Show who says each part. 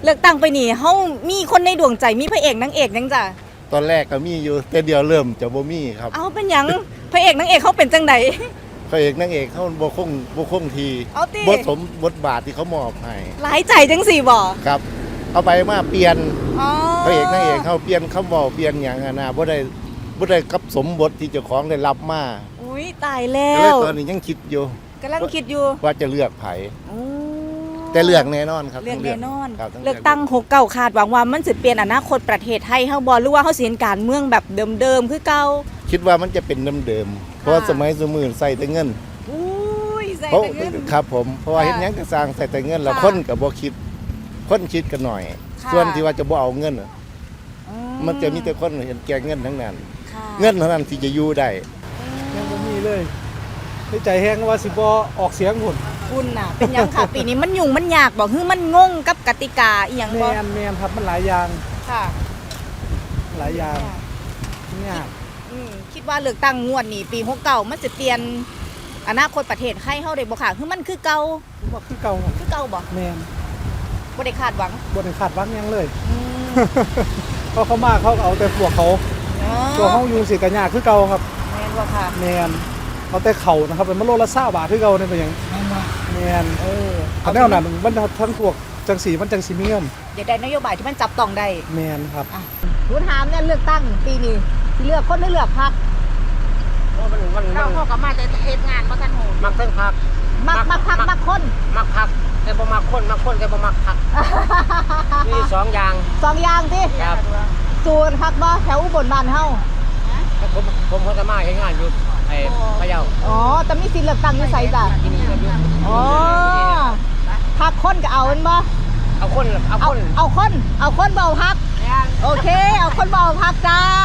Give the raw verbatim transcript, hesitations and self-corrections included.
Speaker 1: เลือกตั้งไปนี่เฮามีคนในดวงใจมีพระเอกนางเอกยังจ้ะ
Speaker 2: ตอนแรกก็มีอยู่แต่เดียวเริ่มจะบ่มีครับ
Speaker 1: เอาเป็นหยังพระเอกนางเอกเขาเป็นจังได
Speaker 2: พระเอกนางเอกเขาบ่คงบ่คงทีบทสมบทบาทที่เขามอบให้
Speaker 1: หลายใจจังสี่บ่
Speaker 2: ครับเอาไปมาเปลี่ยน
Speaker 1: อ๋อ
Speaker 2: พระเอกนางเอกเขาเปลี่ยนคำเว้าเปลี่ยนหยังนะบ่ได้บ่ได้กับสมบทที่เจ้าของได้รับมา
Speaker 1: อุ้ยตายแล้ว
Speaker 2: ตอนนี้ยังคิดอยู่
Speaker 1: กำลังคิดอยู่
Speaker 2: ว่าจะเลือกไผแต่เลือกแน่นอนครับ
Speaker 1: เลือกแน่นอน
Speaker 2: เลื
Speaker 1: อกตั้งหกเก้าคาดหวังว่ามันสิเปลี่ยนอนาคตประเทศไทยเฮาบ่หรือว่าเฮาสิเห็นการเมืองแบบเดิมๆคือเก่า
Speaker 2: คิดว่ามันจะเป็นเดิมๆเพราะสมัยสมือใส่แต่เงิน
Speaker 1: อุ้ยใส่
Speaker 2: แต่เงินครับผมเพราะว่าเฮ็ดหยังก็สร้างใส่แต่เงินแล้วคนก็บ่คิดคนคิดกันหน่อยส่วนที่ว่าจะบ่เอาเงินมันจะมีแต่คนเห็นแก่เงินทั้งนั้นเงินเท่านั้นที่จะอยู่ได้
Speaker 3: ยังบ่มีเลยในใจแห้งว่าสิบ่ออกเสียงหุ่น
Speaker 1: คุณน่ะเป็นหยังค่ะปีนี้มันยุ่งมันยากบ่คือมันงงกับกติกาอีหยังบ่
Speaker 3: แม่นแม่นครับมันหลายอย่าง
Speaker 1: ค่ะ
Speaker 3: หลายอย่างยาก
Speaker 1: อืมคิดว่าเลือกตั้งงวดนี้ปีหกเก้ามันสิเปลี่ยนอนาคตประเทศไทยเฮาได้บ่ค่ะคือมันคือเก่า
Speaker 3: บ่คือเก่า
Speaker 1: คือเก่าบ่
Speaker 3: แม่น
Speaker 1: บ่ได้คาดหวัง
Speaker 3: บ่ได้คาดหวังหยังเลยเพราะเขามาเขาเอาแต่พวกเขาตัวเฮาอยู่สิก็ยากคือเก่าครับ
Speaker 1: แม่นบ่ค่ะ
Speaker 3: แม่นเอาแต่เขานะครับเป็นมะโลละยี่สิบบาทคือเก่านี่เป็นหยัง
Speaker 1: แม่นบ่
Speaker 3: แม่นเอออันแนวนั้นมันทั้งพวกจังสีมันจังสิมีเงิน
Speaker 1: อยากได้นโยบายที่มันจับต้องได้
Speaker 3: แม่นครับ
Speaker 1: รู้ถามเนี่ยเลือกตั้งปีนี้สิเลือกคนหรือเลือกพรรค
Speaker 4: โอ้มันมัน
Speaker 1: เราเฮาก็มาแต่เฮ็ดงานบ่ทันโห
Speaker 4: มักเทิงพัก
Speaker 1: มักมักพรรคมักคน
Speaker 4: มักพักแต่บ่มักคนมักคนแต่บ่มักพักมีสองอย่าง
Speaker 1: สองอย่างติ
Speaker 4: ครับ
Speaker 1: ส่วนพรรคบ่แถวอุบลบ้านเฮา
Speaker 4: ผมผมเพิ่นก็มาเฮ็ดงานอยู่ไอ้พะเยา
Speaker 1: อ๋อแต่มีสิทธิ์เลือกตั้งอยู่ไสจ้ะ
Speaker 4: ที่นี่ก็อยู่
Speaker 1: อ๋อพรรคคนก็เอาแม่นบ่
Speaker 4: เอาคนเอาคน
Speaker 1: เอาคนเอาคนบ่เอาพรรคโอเคเอาคนบ่เอาพรรคจ้า